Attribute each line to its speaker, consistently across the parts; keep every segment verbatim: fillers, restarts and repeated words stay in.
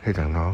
Speaker 1: ให้ดังน้อง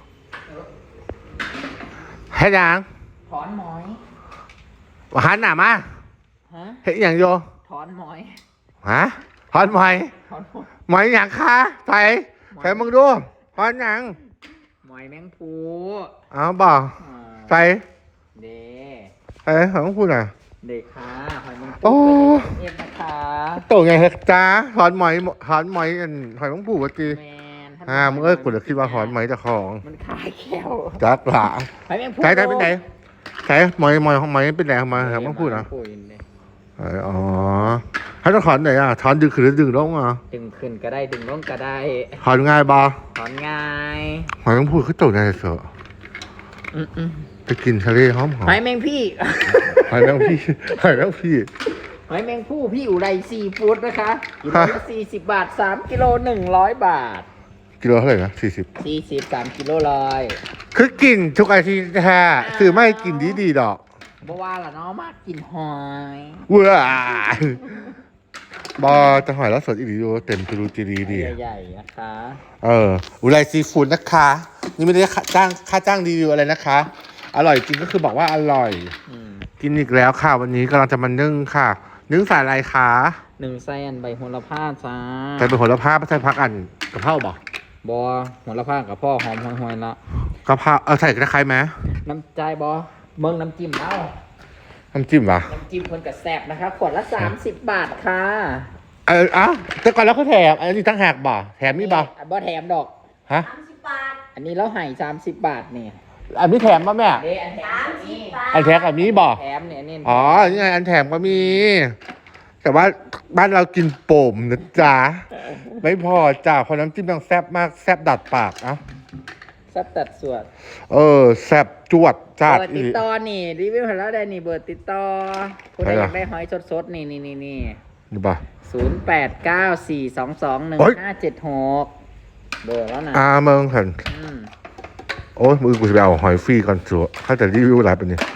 Speaker 1: ให้ดัง
Speaker 2: ถอนหมอย
Speaker 1: หันหน้ามา
Speaker 2: ฮะ
Speaker 1: เห็นอย่างโย
Speaker 2: ถอนหมอย
Speaker 1: ฮะถอนหมอย
Speaker 2: ถอนหมอย
Speaker 1: หมอยอย่างคะใส่ใส่มึงดูถอนอย่าง
Speaker 2: หมอยแมงภู
Speaker 1: อ้าวบอกใส่
Speaker 2: เด้
Speaker 1: ใส่ของมึงพูดอ่ะ
Speaker 2: เด็กค่ะหอยแมงภู
Speaker 1: โอ้
Speaker 2: เอ็มนะคะ
Speaker 1: โตไงเหรอจ้าถอนหมอยถอนหมอยอันหอยมึงพูดว่าจีอ่ามึงเอ้ยกูจะคิดว่าถอนหมอยเจ้าของ
Speaker 2: มันคายแก้ว
Speaker 1: จักหล่ะ
Speaker 2: หอยแมงภู
Speaker 1: ใส่ใส่เป็นไหนใส่หมอยหมอยของหมอยเป็นไหนมาหอยมึงพูดอ่ะอ๋อให้ต้องถอนไหนอ่ะถอนดึงขึ้นหรือดึงลงอ่ะ
Speaker 2: ดึงขึ้นก็ได้ดึงลงก็ได้
Speaker 1: ถอนง่ายบ่
Speaker 2: ถอนง่าย
Speaker 1: หอยแมงภู่เขาโตไงเสือไปกินทะเลหอมหอม
Speaker 2: หอยแมงพี่
Speaker 1: หอยแมงพี่หอยแมงพี่
Speaker 2: หอยแมงภู่พี่อุไรซีฟู้ดนะคะกิโลละสี่สิบบาทสามกิโลหนึ่งร้อยบาท
Speaker 1: กิโลเท่าไหร่นะสี่สิบ
Speaker 2: สี่สิบสามกิโลร้อย
Speaker 1: คือกินทุกอาทิตย์แท้คือไม่กินดีดีดอก
Speaker 2: บ่ว่าล่ะเนาะมากกินหอย
Speaker 1: เว้าบอจะหอยแล้วสดอีกดีดูเต็มตูรูจีดีดี
Speaker 2: ใหญ่ๆนะคะ
Speaker 1: เอออุไรซีฟู้ดนะคะนี่ไม่ได้จ้างค่าจ้างรีวิวอะไรนะคะอร่อยจริงก็คือบอกว่าอร่อยกินอีกแล้วค่ะวันนี้กำลังจะมานึ่งค่ะนึ่งใส่อะไรคะ
Speaker 2: หนึ่งใส่อันใบโหระพาจ้า
Speaker 1: ใส่ใบโหระพาไม่ใส่พักอันกะเพราบ่
Speaker 2: บอโหระพากับพ่อหอมหอยๆละ
Speaker 1: กะเพราเออใส่กระไคร้ไหม
Speaker 2: น้ำใจบอเมืองน้ำจิ้มเอา
Speaker 1: น้ำจิ้มวะ
Speaker 2: น้ำจิ้มคนกับแซ่บนะคะขวดละสามสิบบาทค่ะ
Speaker 1: เออเอ้าแต่ก่อนแล้วเขาแถมอันนี้ตั้งแหกบ่แถมนี่บ่
Speaker 2: บ่แถมดอก
Speaker 1: ฮะ
Speaker 2: สามสิบบาทอันนี้เราให้สามสิบบาทนี่
Speaker 1: อันนี้แถมป่ะแม่
Speaker 2: เด้อันแถมนี่
Speaker 1: อันแถมอันนี้บ่
Speaker 2: แถมเนี่ยนี่
Speaker 1: อ๋อนี่ไงอันแถมก็มีแต่ว่าบ้านเรากินโป่มนะจ๊ะไม่พอจ้าเพราะน้ำจิ้มต้องแซ่บมากแซ่บดัดปากอ่ะ
Speaker 2: แซ่บตัดส่วน
Speaker 1: เออแซ่บจวดจัด
Speaker 2: เบอร์ติดต่อนี่รีวิวให้แล้วได้นี่เบอร์ติดต่อคุณได้อยากได้หอยสดๆนี่นี่นี่นี่
Speaker 1: นี่ป่ะ
Speaker 2: ศูนย์แปดเก้าสี่สองสองหนึ่งห้าเจ็ดหกเบอร์แล้วนะ
Speaker 1: อ่าเมืองเห็นโอ้ยมือกูจะไปเอาหอยฟรีก่อนสัวถ้าจะรีวิวอะไรเป็นนี่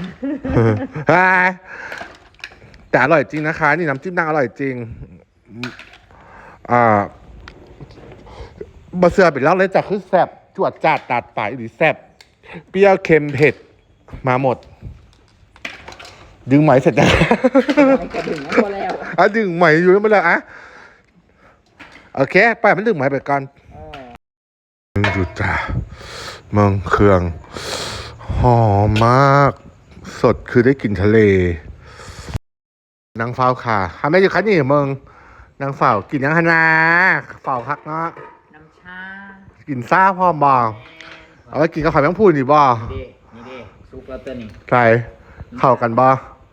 Speaker 1: แต่อร่อยจริงนะคะนี่น้ำจิ้มนางอร่อยจริงอ่าบะเสือเป็นแล้วเลยจากคือแซ่บจวดจัดตัดปลายหรือแซ่บเปรี้ยวเค็มเผ็ดมาหมดดึงไหมเสร็จแล้ว
Speaker 2: ดึงแล้ว
Speaker 1: อ่ะดึงไหมอยู่แล้วมาเลยอ่ะโอเคไปมันดึงไหมไปก่อนมึงดูจ้าเมืองเครื่องหอมมากสดคือได้กินทะเลนางเฝ้าค่ะทำไมอยู่คันนี่เมืองนางเฝ้ากินยังฮานาเฝ้าคักเนาะ
Speaker 2: น้ำชา
Speaker 1: กินซ่าพร้อมบ่เอาไว้กินกับไข่แมงพูนี่บ่
Speaker 2: นี่นี่ดิซุปแล้วตัวนี้
Speaker 1: ใช่เข้ากันบ่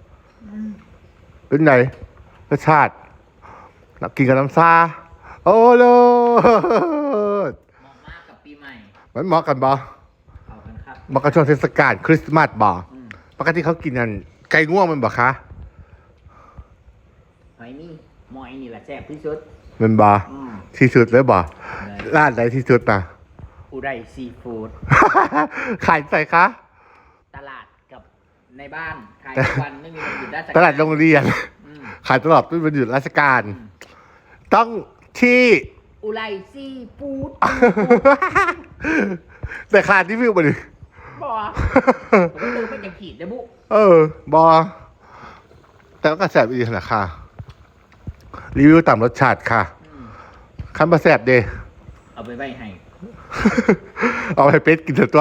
Speaker 1: เป็นไงรสชาติกินกับน้ำซาโอ้โห
Speaker 2: เหมาะมากกับปีใหม่
Speaker 1: มันเหมาะกันบ่
Speaker 2: เข้ากันครับ
Speaker 1: เหมาะกับช่วงเทศกาลคริสต์มาสบ่ปกติเขากินกันไก่ง่วงมันบ่คะ
Speaker 2: หอยนี่หอยนี่แหละแซ่บที่สุด
Speaker 1: มันบ่ที่สุดเลยบ่ร้านไหนที่สุดนะ
Speaker 2: อุไรซีฟู้ด
Speaker 1: ขายใส่คะ
Speaker 2: ตลาดกับในบ้านขายทุกวันไม่มีวันหยุดราชการ
Speaker 1: ตลาดโรงเรียนขายตลอดไม่มีวันหยุดราชการต้องที่
Speaker 2: อุไรซีฟู้ด
Speaker 1: แต่ขาดที่วิวมาดิ
Speaker 2: บอผมก็ดูเป็นอย่างขีดนะบุ
Speaker 1: เออบอแต่ก็กระแสไปดีขนาดค่ะรีวิวต่ำรสชาติค่ะขั้นประแสบเด
Speaker 2: เอาไปไว้ให้
Speaker 1: เอาไปเป็ดกินเถอะตัว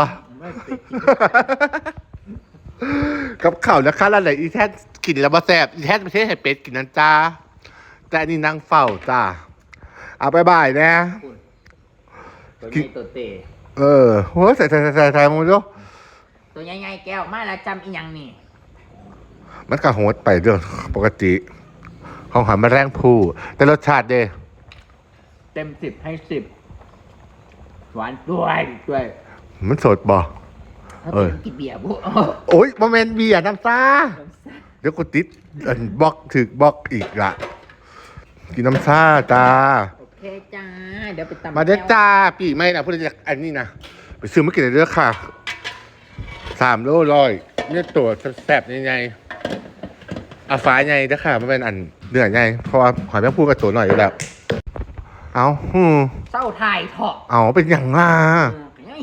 Speaker 1: กับข่าวนะคะแล้วไหนอีแท้กินแล้วประแสบอีแท้ไม่ใช่ให้เป็ดกินนั่นจ้าแต่นี่นั่งเฝ้าจ้าเอาไปบ่ายนะ
Speaker 2: ตัวนี้ตัวเตะ
Speaker 1: เออโหใส่ใส่ใส่ใส่มึงดู
Speaker 2: ตัวใหญ่ๆแก้วมาแล้วจำอีหยังนี่
Speaker 1: มันกระโหดไปเรื่องปกติของหอยแมลงภู่แต่รสชาติเด้
Speaker 2: เต็มสิบให้สิบหวานด้วยด้วย
Speaker 1: มันสดบ่
Speaker 2: เออกินเบียร์บุ
Speaker 1: โอ้ยโมเมนต์เบียร์น้ำซาเดี๋ยวกูติดอันบล็อกถึกบล็อกอีกละกินน้ำซาจ้า
Speaker 2: โอเคจ้าเดี๋ยวไปตำ
Speaker 1: มาเด้อจ้าปีไม่นะพูดจากอันนี้นะไปซื้อมากินเลยเด้อค่ะสามโลร้อยเนี่ยตัวแซ่บยังไงอาฟ้าไงเด้อค่ะมันเป็นอันเนื้อไงเพราะว่าหอยแมงภู่กับตัวหน่อยอยู่แล้วเอาฮึ
Speaker 2: เศร้าถ่ายเถาะ
Speaker 1: เอาเป็นอย่างล่ะ
Speaker 2: ยัง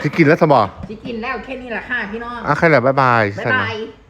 Speaker 1: ที่กินแล้วสมอ
Speaker 2: สิกินแล้วแค่นี้แหละค่ะพี่น้อง
Speaker 1: อ่ะใครแหละบ๊ายบาย
Speaker 2: บ๊าย
Speaker 1: สัน
Speaker 2: บา
Speaker 1: นะ
Speaker 2: ย